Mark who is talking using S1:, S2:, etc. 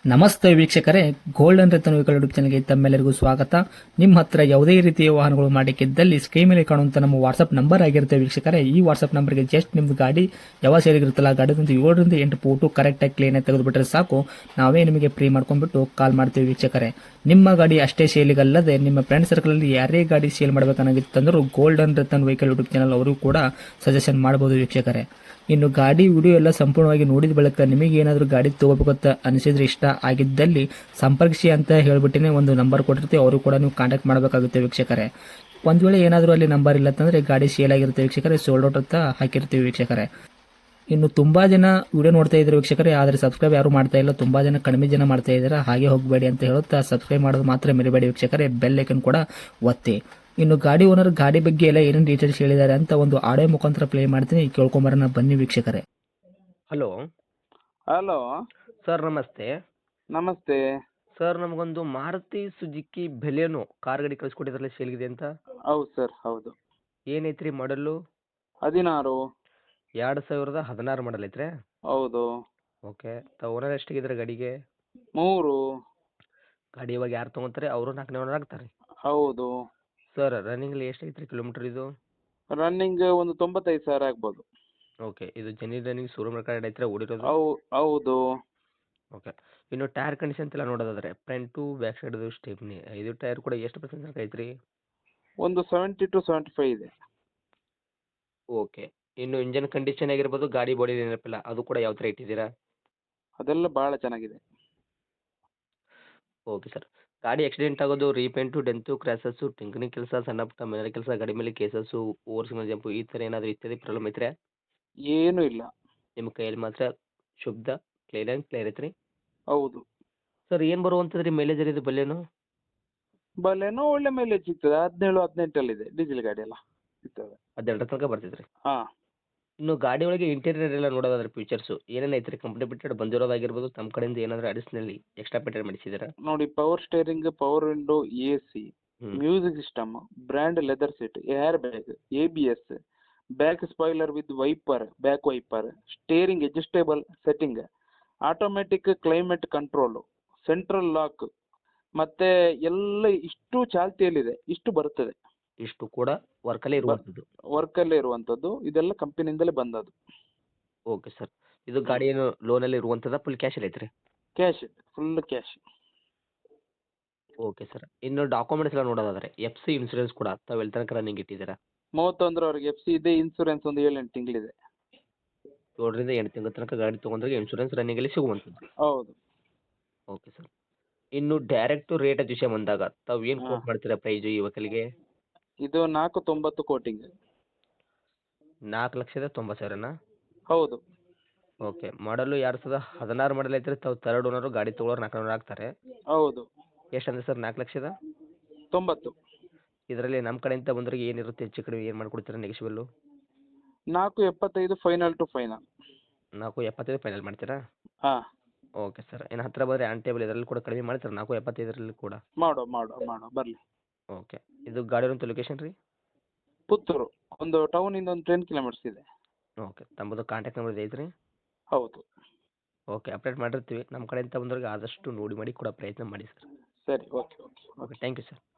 S1: ನಮಸ್ತೆ ವೀಕ್ಷಕರೇ, golden Ratan vehicle YouTube ಚಾನಲ್ಗೆ ತಮ್ಮೆಲ್ಲರಿಗೂ ಸ್ವಾಗತ. ನಿಮ್ಮ ಹತ್ರ ಯಾವುದೇ ರೀತಿಯ ವಾಹನಗಳು ಮಾಡಿಕ್ಕಿದ್ದಲ್ಲಿ ಸ್ಕ್ರೀನ್ ಮೇಲೆ ಕಾಣುವಂತ ನಮ್ಮ ವಾಟ್ಸ್ಆಪ್ ನಂಬರ್ ಆಗಿರುತ್ತೆ ವೀಕ್ಷಕರೇ. ಈ ವಾಟ್ಸ್ಆಪ್ ನಂಬರ್ಗೆ ಜಸ್ಟ್ ನಿಮ್ದು ಗಾಡಿ ಯಾವ ಸೇರಿಗಿರುತ್ತಲ್ಲ ಗಾಡಿದಂತ 7ರಿಂದ 8 ಫೋಟೋ ಕರೆಕ್ಟಾಗಿ ಕ್ಲೀನ್ ಆಗಿ ತೆಗೆದುಬಿಟ್ರೆ ಸಾಕು, ನಾವೇ ನಿಮಗೆ ಫ್ರೀ ಮಾಡ್ಕೊಂಡ್ಬಿಟ್ಟು ಕಾಲ್ ಮಾಡ್ತೀವಿ ವೀಕ್ಷಕರೇ. ನಿಮ್ಮ ಗಾಡಿ ಅಷ್ಟೇ ಸೇಲಿಗಲ್ಲದೆ ನಿಮ್ಮ ಫ್ರೆಂಡ್ ಸರ್ಕಲ್ ಅಲ್ಲಿ ಯಾರೇ ಗಾಡಿ ಸೇಲ್ ಮಾಡಬೇಕನ್ನಾಗಿತ್ತಂದ್ರೂ golden Ratan vehicle YouTube channel ಅವರು ಕೂಡ ಸಜೆಷನ್ ಮಾಡಬಹುದು ವೀಕ್ಷಕರೇ. ಇನ್ನು ಗಾಡಿ ವಿಡಿಯೋ ಎಲ್ಲ ಸಂಪೂರ್ಣವಾಗಿ ನೋಡಿದ ಬಳಿಕ ನಿಮಗೆ ಏನಾದರೂ ಗಾಡಿ ತಗೋಬೇಕಂತ ಅನಿಸಿದ್ರೆ, ಇಷ್ಟ ಆಗಿದ್ದಲ್ಲಿ ಸಂಪರ್ಕಿಸಿ ಅಂತ ಹೇಳ್ಬಿಟ್ಟಿನೇ ಒಂದು ನಂಬರ್ ಕೊಟ್ಟಿರ್ತೀವಿ, ಅವರು ಕೂಡ ನೀವು ಕಾಂಟ್ಯಾಕ್ಟ್ ಮಾಡಬೇಕಾಗುತ್ತೆ ವೀಕ್ಷಕರೇ. ಒಂದು ವೇಳೆ ಏನಾದರೂ ಅಲ್ಲಿ ನಂಬರ್ ಇಲ್ಲ ಅಂತಂದರೆ ಗಾಡಿ ಸೇಲ್ ಆಗಿರುತ್ತೆ ವೀಕ್ಷಕರೇ, ಸೋಲ್ಡ್ ಔಟ್ ಅಂತ ಹಾಕಿರ್ತೀವಿ ವೀಕ್ಷಕರೇ. ಇನ್ನು ತುಂಬಾ ಜನ ವಿಡಿಯೋ ನೋಡ್ತಾ ಇದ್ದಾರೆ ವೀಕ್ಷಕರೇ, ಆದರೆ ಸಬ್ಸ್ಕ್ರೈಬ್ ಯಾರು ಮಾಡ್ತಾ ಇಲ್ಲ, ತುಂಬಾ ಜನ ಕಡಿಮೆ ಜನ ಮಾಡ್ತಾ ಇದ್ದಾರೆ. ಹಾಗೆ ಹೋಗಬೇಡಿ ಅಂತ ಹೇಳುತ್ತಾ ಸಬ್ಸ್ಕ್ರೈಬ್ ಮಾಡೋದು ಮಾತ್ರ ಮರಿಬೇಡಿ ವೀಕ್ಷಕರೇ, ಬೆಲ್ ಐಕನ್ ಕೂಡ ಒತ್ತಿ. ಇನ್ನು ಗಾಡಿ ಓನರ್ ಗಾಡಿ ಬಗ್ಗೆ ಎಲ್ಲ ಏನೇನು ಡೀಟೇಲ್ಸ್ ಹೇಳಿದ್ದಾರೆ ಅಂತ ಒಂದು ಆಡಿಯೋ ಮುಖಾಂತರ ಪ್ಲೇ ಮಾಡ್ತೀನಿ, ಕೇಳ್ಕೊಂಬರೋಣ ಬನ್ನಿ ವೀಕ್ಷಕರೇ.
S2: ಹಲೋ
S3: ಹಲೋ
S2: ಸರ್, ನಮಸ್ತೆ.
S3: ನಮಸ್ತೆ.
S2: ಸರ್, ನಮಗೊಂದು ಮಾರುತಿ ಸುಜುಕಿ ಬೆಲೆನೋ ಕಾರ್ ಗಾಡಿ ಕಳಿಸ್ಕೊಟ್ಟಿದ್ರಲ್ಲ, ಸೇಲ್ಗಿದೆ ಅಂತ.
S3: ಹೌದು ಸರ್, ಹೌದು.
S2: ಏನೈತ್ರಿ ಮಾಡಲ್ಲು?
S3: 16.
S2: 2016 ಮಾಡಲ್ ಐತ್ರಿ?
S3: ಹೌದು.
S2: ಓಕೆ. ಓನರ್ ಎಷ್ಟಾಗಿದ್ರೆ ಗಾಡಿಗೆ?
S3: 3.
S2: ಗಾಡಿ ಇವಾಗ ಯಾರು ತೊಗೊಂತಾರೆ ಅವರು 4ನೇ ಓನರ್ ಆಗ್ತಾರೆ?
S3: ಹೌದು.
S2: ಸರ್, ರನ್ನಿಂಗಲ್ಲಿ ಎಷ್ಟೈತ್ರಿ ಕಿಲೋಮೀಟರ್ ಇದು?
S3: ರನ್ನಿಂಗ್ ಒಂದು 95,000 ಆಗ್ಬೋದು.
S2: ಓಕೆ. ಇದು ಜೆನ್ಯೂನ್ ರನ್ನಿಂಗ್ ಶೋರೂಮ್ ರೆಕಾರ್ಡ್ ಐತ್ರಿ ಓಡಿರೋದು?
S3: ಹೌದು.
S2: ಓಕೆ. ಇನ್ನು ಟೈರ್ ಕಂಡೀಷನ್ ಎಲ್ಲ ನೋಡೋದಾದ್ರೆ ಫ್ರಂಟು ಬ್ಯಾಕ್ ಸೈಡ್ದು ಸ್ಟೆಪ್ನಿ ಇದು ಟೈರ್ ಕೂಡ ಎಷ್ಟು ಪರ್ಸೆಂಟ್ ತನಕ ಐತ್ರಿ?
S3: ಒಂದು 70 to 75 ಇದೆ.
S2: ಓಕೆ. ಇನ್ನು ಇಂಜನ್ ಕಂಡೀಷನ್ ಆಗಿರ್ಬೋದು, ಗಾಡಿ ಬಾಡಿ ಏನಿರಲ್ಲ ಅದು ಕೂಡ ಯಾವ ಥರ ಇಟ್ಟಿದ್ದೀರಾ?
S3: ಅದೆಲ್ಲ ಬಹಳ ಚೆನ್ನಾಗಿದೆ.
S2: Okay sir. ಗಾಡಿ ಆಕ್ಸಿಡೆಂಟ್ ಆಗೋದು, ರೀಪೇಂಟು, ಡೆಂತು, ಕ್ರ್ಯಾಸಸ್ಸು, ಟಿಂಕರಿಂಗ್ ಕೆಲಸ, ಸಣ್ಣ ಪುಟ್ಟ ಮನೆ ಕೆಲಸ, ಗಾಡಿ ಮೇಲೆ ಕೇಸಸ್ಸು, ಓವರ್ ಸಿಂಗಲ್ ಜಂಪು ಈ ಥರ ಏನಾದರೂ ಇತ್ಯಾದಿ ಪ್ರಾಬ್ಲಮ್ ಐತ್ರಿ?
S3: ಏನೂ ಇಲ್ಲ.
S2: ನಿಮ್ಮ ಕೈಯಲ್ಲಿ ಮಾತ್ರ ಶುದ್ಧ ಕ್ಲಿಯರ್ ಐತ್ರಿ?
S3: ಹೌದು.
S2: ಸರ್, ಏನು ಬರುವಂಥದ್ದು ರೀ ಮೈಲೇಜ್ ಇದು ಬಲ್ಲೇನು?
S3: ಬಲೆನೋ ಒಳ್ಳೆ ಮೈಲೇಜ್ ಸಿಗ್ತದೆ. 17-18 ಇದೆ. ಡೀಸೆಲ್ ಗಾಡಿ ಎಲ್ಲ ಸಿಗ್ತದೆ.
S2: 12 ತನಕ ಬರ್ತೈತ್ರಿ?
S3: ಹಾಂ.
S2: ಇನ್ನು ಗಾಡಿ ಒಳಗೆ ಇಂಟೀರಿಯರ್ ಎಲ್ಲ ನೋಡೋದಾದ್ರೆ ಫೀಚರ್ಸು ಏನೇನು ಐತ್ರಿ? ಕಂಪ್ನಿ ಬಿಟ್ಟೆಡ್ ಬಂದಿರೋದಾಗಿರ್ಬೋದು, ತಮ್ಮ ಕಡೆಯಿಂದ ಏನಾದರೂ ಅಡಿಷನಲಿ ಎಕ್ಸ್ಟ್ರಾ ಪೇಟೆಡ್ ಮಾಡಿಸಿದ್ದೀರಾ?
S3: ನೋಡಿ, power steering, power window, AC,
S2: ಹ್ಞೂ.
S3: Music system, brand leather seat, air bag, ABS, back spoiler with wiper, back wiper, steering adjustable setting, automatic climate control, central lock, ಮತ್ತೆ ಎಲ್ಲ ಇಷ್ಟು ಚಾಲ್ತಿಯಲ್ಲಿದೆ. ಇಷ್ಟು ಬರುತ್ತದೆ.
S2: ಇಷ್ಟು ಕೂಡ ವರ್ಕಲ್ಲೇ ಇರುವಂಥದ್ದು?
S3: ವರ್ಕಲ್ಲೇ ಇರುವಂಥದ್ದು. ಇದೆಲ್ಲ ಕಂಪನಿಯಿಂದಲೇ ಬಂದದ್ದು.
S2: Okay sir. ಇದು ಗಾಡಿ ಏನು ಲೋನಲ್ಲಿ ಇರುವಂಥದ್ದು ಫುಲ್ ಕ್ಯಾಶಲ್ಲಿ ಐತ್ರಿ?
S3: Cash, full cash.
S2: Okay sir. ಇನ್ನು ಡಾಕ್ಯುಮೆಂಟ್ಸ್ ಎಲ್ಲ ನೋಡೋದಾದ್ರೆ FC ಇನ್ಸೂರೆನ್ಸ್ ಕೂಡ ತಾವು ಎಲ್ಲಿ ತನಕ ರನ್ನಿಂಗ್ ಇಟ್ಟಿದ್ದೀರಾ?
S3: 31ರವರೆಗೆ FC ಇದೆ. ಇನ್ಸೂರೆನ್ಸ್ ಒಂದು 7-8 ತಿಂಗಳಿದೆ.
S2: 7ರಿಂದ 8 ತಿಂಗಳ ತನಕ ಗಾಡಿ ತೊಗೊಂಡ್ರೆ ಇನ್ಸೂರೆನ್ಸ್ ರನ್ನಿಂಗಲ್ಲಿ ಸಿಗುವಂಥದ್ದು?
S3: ಹೌದು.
S2: Okay sir. ಇನ್ನು ಡೈರೆಕ್ಟು ರೇಟ್ ವಿಷಯ ಬಂದಾಗ ತಾವು ಏನು ಕೋಟ್ ಮಾಡ್ತೀರಾ ಪ್ರೈಸು ಈ ವೆಹಿಕಲ್ಗೆ?
S3: ಇದು 490 ಕೋಟಿಂಗ್.
S2: 4,90,000ನಾ?
S3: ಹೌದು.
S2: ಓಕೆ. ಮಾಡಲು 2016 ಮಾಡಲ್ ಐತ್ರಿ, ತಾವು ಥರ್ಡ್ ಓನರು, ಗಾಡಿ ತೊಗೊಳೋರು 4ನೇ ಓನರ್ ಆಗ್ತಾರೆ.
S3: ಹೌದು.
S2: ಎಷ್ಟಂದ್ರೆ ಸರ್ 4,90,000?
S3: 90.
S2: ಇದರಲ್ಲಿ ನಮ್ಮ ಕಡೆಯಿಂದ ಬಂದವರಿಗೆ ಏನಿರುತ್ತೆ ಹೆಚ್ಚು ಕಡಿಮೆ ಏನು ಮಾಡ್ಕೊಡ್ತೀರಾ negotiable?
S3: 475 final to final.
S2: 4,75 final ಮಾಡ್ತೀರಾ?
S3: ಹಾಂ.
S2: Okay sir. ಇನ್ನು ಹತ್ತಿರ ಬಂದರೆ ಆನ್ ಟೇಬಲ್ ಇದರಲ್ಲಿ ಕೂಡ ಕಡಿಮೆ ಮಾಡ್ತೀರಾ 4,75 ಕೂಡ?
S3: ಮಾಡೋ ಬರಲಿ.
S2: ಓಕೆ. ಇದು ಗಾಡಿ ಇರುವಂಥ ಲೊಕೇಶನ್ ರೀ?
S3: ಪುತ್ತೂರು. ಒಂದು ಟೌನಿಂದ ಒಂದು 10 ಕಿಲೋಮೀಟರ್ಸ್ ಇದೆ.
S2: ಓಕೆ. ತಮ್ಮದು ಕಾಂಟ್ಯಾಕ್ಟ್ ನಂಬರ್ ಐತ್ರಿ?
S3: ಹೌದು.
S2: ಓಕೆ. ಅಪ್ಡೇಟ್ ಮಾಡಿರ್ತೀವಿ. ನಮ್ಮ ಕಡೆಯಿಂದ ಬಂದವ್ರಿಗೆ ಆದಷ್ಟು ನೋಡಿ ಮಾಡಿ ಕೊಡೋ ಪ್ರಯತ್ನ ಮಾಡಿ ಸರ್.
S3: ಸರಿ, okay.
S2: Okay. Thank you sir.